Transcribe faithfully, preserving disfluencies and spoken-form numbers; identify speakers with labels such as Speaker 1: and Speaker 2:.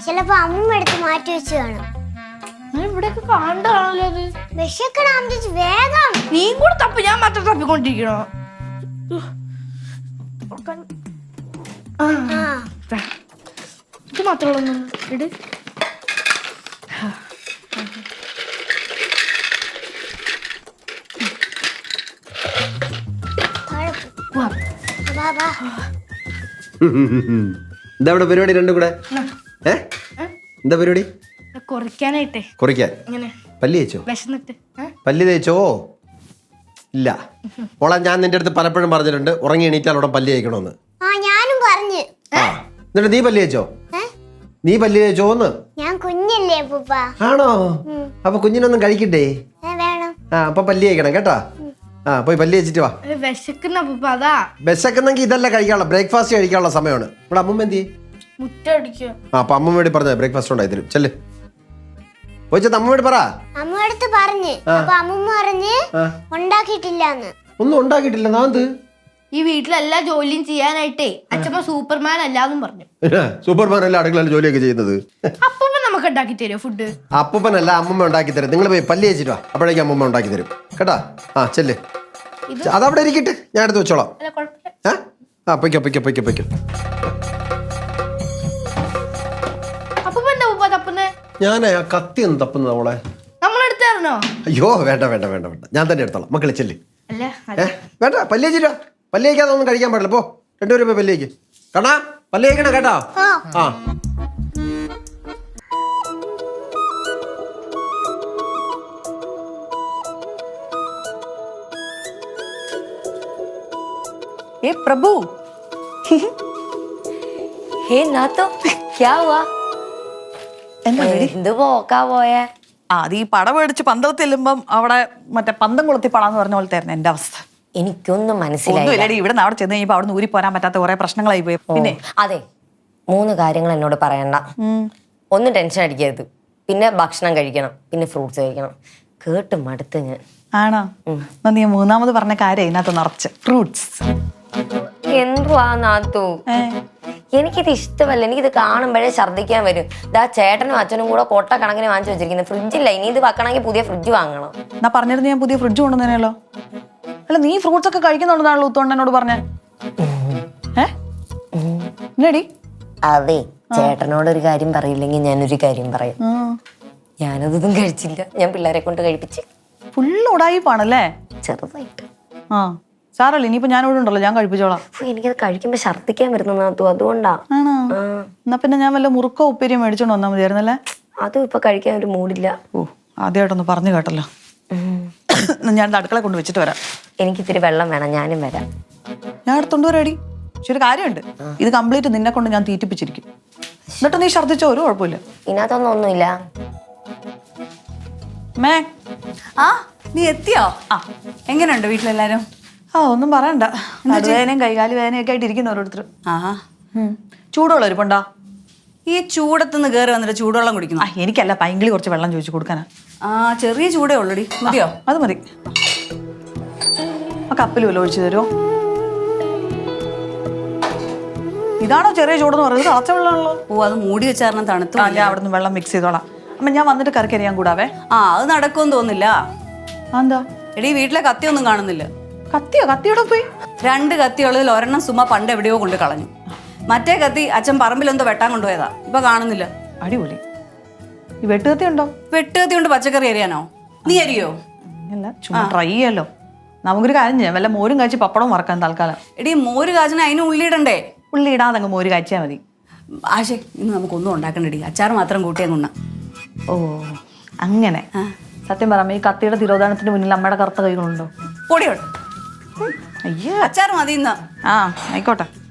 Speaker 1: ചിലപ്പോ അമ്മ എടുത്ത് മാറ്റി വെച്ച് കാണും.
Speaker 2: ഇവിടെയൊക്കെ കാണാണല്ലോ അത്.
Speaker 1: വിശക്കണം വേഗം.
Speaker 2: നീ കൂടെ തപ്പി, ഞാൻ മാത്രം തപ്പിക്കൊണ്ടിരിക്കണോ? ഇത് മാത്രമുള്ള ഇട്.
Speaker 3: എന്താ ഇവിടെ പരിപാടി രണ്ടും കൂടെ? ഏ എന്താ പരിപാടി?
Speaker 2: കുറയ്ക്കാനായിട്ടേ.
Speaker 3: കുറയ്ക്കാൻ പല്ലി തേച്ചോ?
Speaker 2: വിശന്നിട്ട്
Speaker 3: പല്ലി തേച്ചോ? ഇല്ല മോളെ, ഞാൻ നിന്റെ അടുത്ത് പലപ്പോഴും പറഞ്ഞിട്ടുണ്ട് ഉറങ്ങി എണീറ്റാൽ അവിടെ പല്ലി തേക്കണമെന്ന്.
Speaker 1: ഞാനും പറഞ്ഞു.
Speaker 3: ആ എന്നിട്ട് നീ പല്ലി തേച്ചോ? നീ പല്ലി തേച്ചോന്ന്?
Speaker 1: ഞാൻ കുഞ്ഞല്ലേ അപ്പൂപ്പ.
Speaker 3: ആണോ? അപ്പൊ കുഞ്ഞിനൊന്നും കഴിക്കണ്ടേ?
Speaker 1: വേണം.
Speaker 3: ആ അപ്പൊ പല്ലി തേക്കണം കേട്ടാ. ആ പോയി പല്ലി വെച്ചിട്ട് വാ.
Speaker 2: വിശക്കുന്ന
Speaker 3: വിശക്കുന്നെങ്കിൽ ഇതല്ല കഴിക്കാനുള്ള, ബ്രേക്ക്ഫാസ്റ്റ് കഴിക്കാനുള്ള സമയമാണ്. ഇവിടെ അമ്മമ്മ എന്തി?
Speaker 2: മുറ്റടിക്കുക.
Speaker 3: ആ അപ്പൊ അമ്മ വേണ്ടി പറഞ്ഞ ബ്രേക്ക്ഫാസ്റ്റ് ഉണ്ടായി തരും. ചെല്ല് പോയിച്ചത് അമ്മ വേണ്ടി പറ.
Speaker 1: അമ്മടുത്ത് പറഞ്ഞു. അപ്പൊ അമ്മമ്മ പറഞ്ഞ് ഉണ്ടാക്കിയിട്ടില്ലാന്ന്.
Speaker 3: ഒന്നും ഉണ്ടാക്കിയിട്ടില്ല. നാന്ത്
Speaker 2: ഈ വീട്ടിലെല്ലാ ജോലിയും ചെയ്യാനായിട്ടേ അച്ഛമ്മ സൂപ്പർമാൻ അല്ലാന്നും പറഞ്ഞു.
Speaker 3: സൂപ്പർമാൻ അല്ല അടുക്കളയിൽ ജോലിയൊക്കെ ചെയ്യുന്നത്.
Speaker 2: അപ്പൂപ്പ നമുക്ക് ഉണ്ടാക്കി തരുമോ ഫുഡ്?
Speaker 3: അപ്പൂപ്പനല്ല അമ്മമ്മ ഉണ്ടാക്കി തരും. നിങ്ങൾ പോയി പല്ലി വെച്ചിട്ട് വാ, അപ്പോഴേക്കും അമ്മമ്മ ഉണ്ടാക്കി തരും കേട്ടാ. ആ ചെല്ല്, അതവിടെ ഇരിക്കട്ടെ, ഞാൻ എടുത്ത് വെച്ചോളാം. ആ പൊയ്ക്കോ പൊയ്ക്കോ പൊയ്ക്കോ പൊയ്ക്കോ. ഞാനേ ആ കത്തി ഒന്ന് തപ്പുന്നത് അവളെ.
Speaker 2: നമ്മളെടുത്തായിരുന്നോ?
Speaker 3: അയ്യോ വേണ്ട വേണ്ട വേണ്ട വേണ്ട, ഞാൻ തന്നെ എടുത്തോളാം. മക്കളെ ചെല്ല്.
Speaker 2: അല്ല
Speaker 3: വേണ്ട പല്ലി വെച്ചിട്ടോ. പല്ലി വയ്ക്കാതെ ഒന്നും കഴിക്കാൻ പാടില്ല. പോ രണ്ടുപേരും പോയി പല്ലി വയ്ക്ക്. കണ്ണാ പല്ലി വയ്ക്കണം കേട്ടോ. ആ
Speaker 4: ए प्रभु
Speaker 5: हे ना तो क्या हुआ? എന്ത് പോക്കാ പോയേ?
Speaker 4: ആ അത് ഈ പട മേടിച്ച് പന്തളത്ത് ചെല്ലുമ്പം അവിടെ മറ്റേ പന്തം കൊളുത്തി പടാന്ന് പറഞ്ഞ പോലെ തരുന്ന എന്റെ അവസ്ഥ.
Speaker 5: എനിക്കൊന്നും മനസ്സിലായില്ല.
Speaker 4: ഇവിടെ നിന്ന് അവിടെ ചെന്ന് കഴിഞ്ഞപ്പോ അവിടെ ഊരി പോരാൻ പറ്റാത്ത കുറെ പ്രശ്നങ്ങളായി പോയി. പിന്നെ
Speaker 5: അതെ, മൂന്ന് കാര്യങ്ങൾ എന്നോട് പറയണ്ട. ഒന്നും ടെൻഷൻ അടിക്കരുത്, പിന്നെ ഭക്ഷണം കഴിക്കണം, പിന്നെ ഫ്രൂട്ട്സ് കഴിക്കണം. കേട്ട് മടുത്ത് ഞാൻ.
Speaker 4: ആണോ? നീ മൂന്നാമത് പറഞ്ഞ കാര്യം ഇതിനകത്ത് നിറച്ച് ഫ്രൂട്ട്സ്.
Speaker 5: എന്തുവാ നാത്തു, എനിക്കിത് ഇഷ്ടമല്ല. എനിക്കിത് കാണുമ്പോഴേ ഛർദ്ദിക്കാൻ വരും. ഇതാ ചേട്ടനും അച്ഛനും കൂടെ കൊട്ട കണക്കിന് വാങ്ങിച്ചു വെച്ചിരിക്കുന്നത്. ഫ്രിഡ്ജില്ല, ഇനി ഇത് വെക്കണമെങ്കിൽ പുതിയ ഫ്രിഡ്ജ് വാങ്ങണം.
Speaker 4: എന്നാ പറഞ്ഞിരുന്നു ഞാൻ പുതിയ ഫ്രിഡ്ജ് കൊണ്ടുവന്നേനല്ലോ. അല്ല നീ ഫ്രൂട്ട്സ് ഒക്കെ കഴിക്കുന്നുണ്ടെന്നാണല്ലോ ഉത്തോണ്ട് എന്നോട് പറഞ്ഞേ. ഏടി
Speaker 5: അതെ, ചേട്ടനോടൊരു കാര്യം പറയില്ലെങ്കിൽ ഞാനൊരു കാര്യം പറയും. ഞാനതൊന്നും കഴിച്ചില്ല, ഞാൻ പിള്ളേരെ കൊണ്ട് കഴിപ്പിച്ച്.
Speaker 4: ഫുള്ള് ഉടായിപ്പാണല്ലേ?
Speaker 5: ചെറുതായിട്ട്.
Speaker 4: ആ സാറല്ലേ, ഇനിയിപ്പോ ഞാൻ ഇവിടെ ഉണ്ടല്ലോ, ഞാൻ കഴിപ്പിച്ചോളാം.
Speaker 5: എനിക്കത് കഴിക്കുമ്പോ ഛർദ്ദിക്കാൻ വരുന്ന നാത്തു, അതുകൊണ്ടാ.
Speaker 4: ആണോ? എന്നാ പിന്നെ ഞാൻ വല്ല മുറുക്കോ ഉപ്പേരിയോ മേടിച്ചോണ്ട് വന്നാൽ മതിയായിരുന്നല്ലേ?
Speaker 5: അതും ഇപ്പൊ കഴിക്കാൻ ഒരു മൂടില്ല.
Speaker 4: ഓ ആദ്യമായിട്ടൊന്ന് പറഞ്ഞു കേട്ടല്ലോ. ഞാൻ അടുക്കള കൊണ്ട് വെച്ചിട്ട് വരാം.
Speaker 5: എനിക്ക് ഇത്തിരി വെള്ളം വേണം, ഞാനും വരാം.
Speaker 4: ഞാൻ എടുത്തോണ്ട് വരാടി. പക്ഷെ ഒരു കാര്യമുണ്ട്, ഇത് കംപ്ലീറ്റ് നിന്നെ കൊണ്ട് ഞാൻ തീറ്റിപ്പിച്ചിരിക്കും. എന്നിട്ട് നീ ഛർദ്ദിച്ചോ ഒരു കുഴപ്പമില്ല.
Speaker 5: ഇതിനകത്തൊന്നും ഒന്നുമില്ല.
Speaker 4: മേ
Speaker 6: ആ നീ എത്തിയോ? ആ എങ്ങനെയുണ്ട് വീട്ടിലെല്ലാരും?
Speaker 4: ആ ഒന്നും പറയണ്ട, നടുവേദനയും കൈകാല് വേദനയൊക്കെ ആയിട്ട് ഇരിക്കുന്ന ഓരോരുത്തർ.
Speaker 6: ആഹാ,
Speaker 4: ചൂടുവെള്ളം ഇരിപ്പുണ്ടോ?
Speaker 6: ഈ ചൂടത്തുനിന്ന് കയറി വന്നിട്ട് ചൂടുവെള്ളം കുടിക്കുന്നു.
Speaker 4: ആ എനിക്കല്ല, പൈങ്കിളി കുറച്ച് വെള്ളം ചോദിച്ചു കൊടുക്കാനാ.
Speaker 6: ആ ചെറിയ ചൂടേ ഉള്ളൂടി, മതിയോ?
Speaker 4: അത് മതി. ആ കപ്പിൽ വല്ല ഒഴിച്ചു തരുമോ? ഇതാണോ ചെറിയ ചൂടെന്ന് പറയുന്നത്? തിളച്ച വെള്ളമാണല്ലോ.
Speaker 6: ഓ അത് മൂടി വെച്ചാരണം തണുത്തു.
Speaker 4: ഞാൻ അവിടെ നിന്ന് വെള്ളം മിക്സ് ചെയ്തോളാം. അമ്മ ഞാൻ വന്നിട്ട് കറിക്ക് അറിയാൻ കൂടാവേ.
Speaker 6: ആ അത് നടക്കുമെന്ന് തോന്നില്ല.
Speaker 4: എന്താ
Speaker 6: എടീ വീട്ടിലെ കത്തിയൊന്നും കാണുന്നില്ല.
Speaker 4: കത്തിയോ? കത്തിയോടെ പോയി.
Speaker 6: രണ്ട് കത്തിയുള്ളതിൽ ഒരെണ്ണം സുമ പണ്ട് എവിടെയോ കൊണ്ട് കളഞ്ഞു. മറ്റേ കത്തി അച്ഛൻ പറമ്പിലെന്തോ വെട്ടാൻ കൊണ്ടുപോയതാ, ഇപ്പൊ കാണുന്നില്ല.
Speaker 4: അടിപൊളി. ഈ വെട്ടുകത്തി ഉണ്ടോ?
Speaker 6: വെട്ടുകത്തി കൊണ്ട് പച്ചക്കറി അരിയാനോ? നീ അരിയോ?
Speaker 4: അല്ല ചുമ്മാ ട്രൈ ചെയ്യാലോ. നമുക്കൊരു കാര്യം ചെയ്യാം, വല്ല മോരും കാച്ചി പപ്പടവും വറക്കാൻ തൽക്കാലം.
Speaker 6: എടീ മോര് കാച്ചിന് അതിന് ഉള്ളിയിടണ്ടേ?
Speaker 4: ഉള്ളി ഇടാതെ അങ്ങ് മോര് കാച്ചിയാൽ മതി.
Speaker 6: ആശേ ഇന്ന് നമുക്കൊന്നും ഉണ്ടാക്കണ്ടടി, അച്ചാർ മാത്രം കൂട്ടിയാ കൊണ്ട.
Speaker 4: ഓ അങ്ങനെ. സത്യം പറയാം, ഈ കത്തിയുടെ തിരോധാനത്തിന് മുന്നിൽ അമ്മയുടെ കറുത്ത കൈകളുണ്ടോ?
Speaker 6: പൊടിയോട്
Speaker 4: അയ്യോ
Speaker 6: അച്ചാർ മതി ഇന്ന്.
Speaker 4: ആ ആയിക്കോട്ടെ.